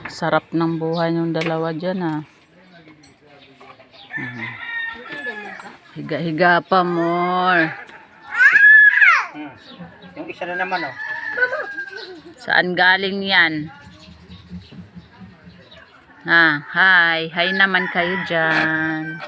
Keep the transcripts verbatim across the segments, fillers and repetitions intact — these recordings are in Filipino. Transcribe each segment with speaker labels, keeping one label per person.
Speaker 1: Sarap ng buhay ng dalawa dyan ah. Hmm. Higa-higa pa more.
Speaker 2: Hmm. Yung isa na naman oh.
Speaker 1: Saan galing yan? Ha, hi. Hi naman kayo dyan.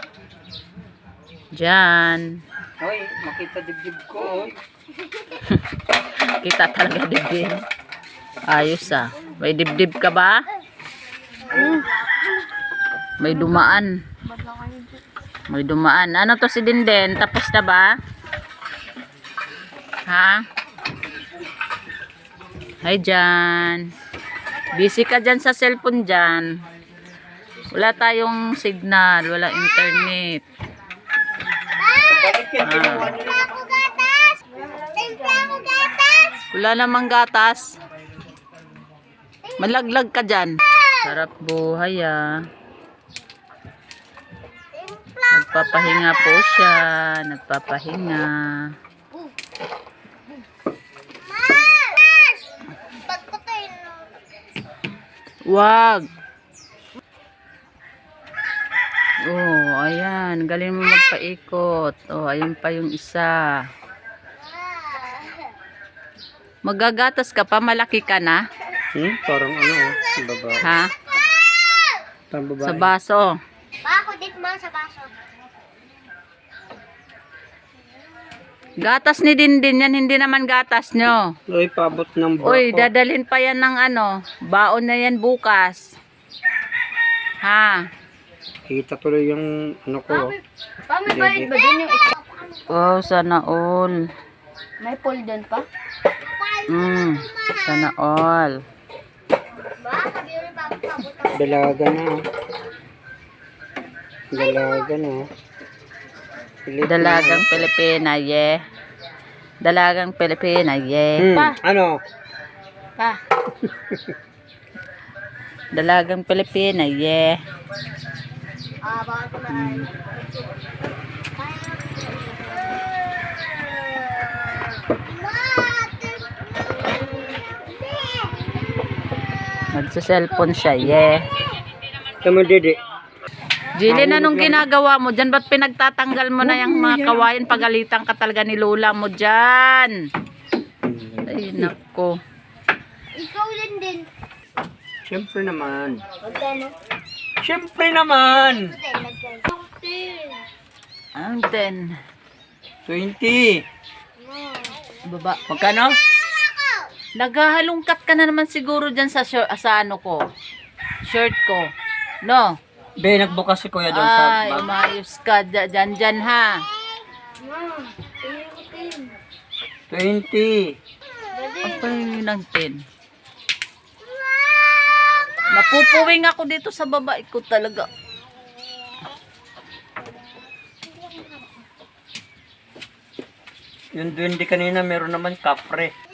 Speaker 1: Dyan.
Speaker 2: Hoy, makita dibdib ko oy.
Speaker 1: Kita talaga dibdib. Ayos ah. May dibdib ka ba? Hmm. May dumaan. May dumaan. Ano to si Dinden? Tapos na ba? Ha? Hi dyan. Busy ka dyan sa cellphone dyan. Wala tayong signal. Wala internet.
Speaker 2: Bakit yan ginawa nila?
Speaker 1: Wala namang gatas. Malaglag ka dyan. Sarap buhay ah. Nagpapahinga po siya. Nagpapahinga. Wag. Oh, ayan. Galing mo magpaikot. Oh, ayun pa yung isa. Magagatas ka pa? Malaki ka na?
Speaker 2: Hmm, parang ano oh, babae.
Speaker 1: Ha?
Speaker 2: Parang babae.
Speaker 1: Sa baso.
Speaker 3: Bako dit mo sa baso.
Speaker 1: Gatas ni Dindin yan, hindi naman gatas nyo.
Speaker 2: Uy, paabot ng bako.
Speaker 1: Uy, dadalhin pa yan ng ano, baon na yan bukas. Ha?
Speaker 2: Kita tuloy yung ano ko.
Speaker 3: Pa, may bayad ba dun yung ito?
Speaker 1: Oh, sana all.
Speaker 3: May pool dun pa?
Speaker 1: Mm, sana all.
Speaker 3: Ba, sabi yun pa pabot.
Speaker 2: Dalaga na. oh. Dalaga na. oh. Pilit na.
Speaker 1: Dalagang Pilipina, yeah. Dalagang Pilipina, yeah.
Speaker 2: Hmm, ano?
Speaker 3: Pa.
Speaker 1: Dalagang Pilipina, yeah.
Speaker 3: Ah, baka ko na ay.
Speaker 1: Nagsa-cellphone siya, yeah.
Speaker 2: Tama, Dede.
Speaker 1: Jillian, anong ginagawa mo dyan? Ba't pinagtatanggal mo na yung mga kawayan? Pagalitan ka talaga ni Lola mo dyan. Ay, nako.
Speaker 3: Ikaw din din.
Speaker 2: Siyempre naman.
Speaker 3: Magkano?
Speaker 2: Siyempre naman.
Speaker 1: Ang ten.
Speaker 2: twenty.
Speaker 1: Baba. Magkano? Naghahalungkat ka na naman siguro dyan sa, shirt, sa ano ko. Shirt ko. No?
Speaker 2: Be, nagbukas si Kuya doon sa
Speaker 1: Ay,
Speaker 2: bag.
Speaker 1: umayos ka dyan dyan ha.
Speaker 2: twenty.
Speaker 1: Apa yun ng ten? Napupuwing ako dito sa babae ko talaga.
Speaker 2: Yung duwende kanina, meron naman kapre.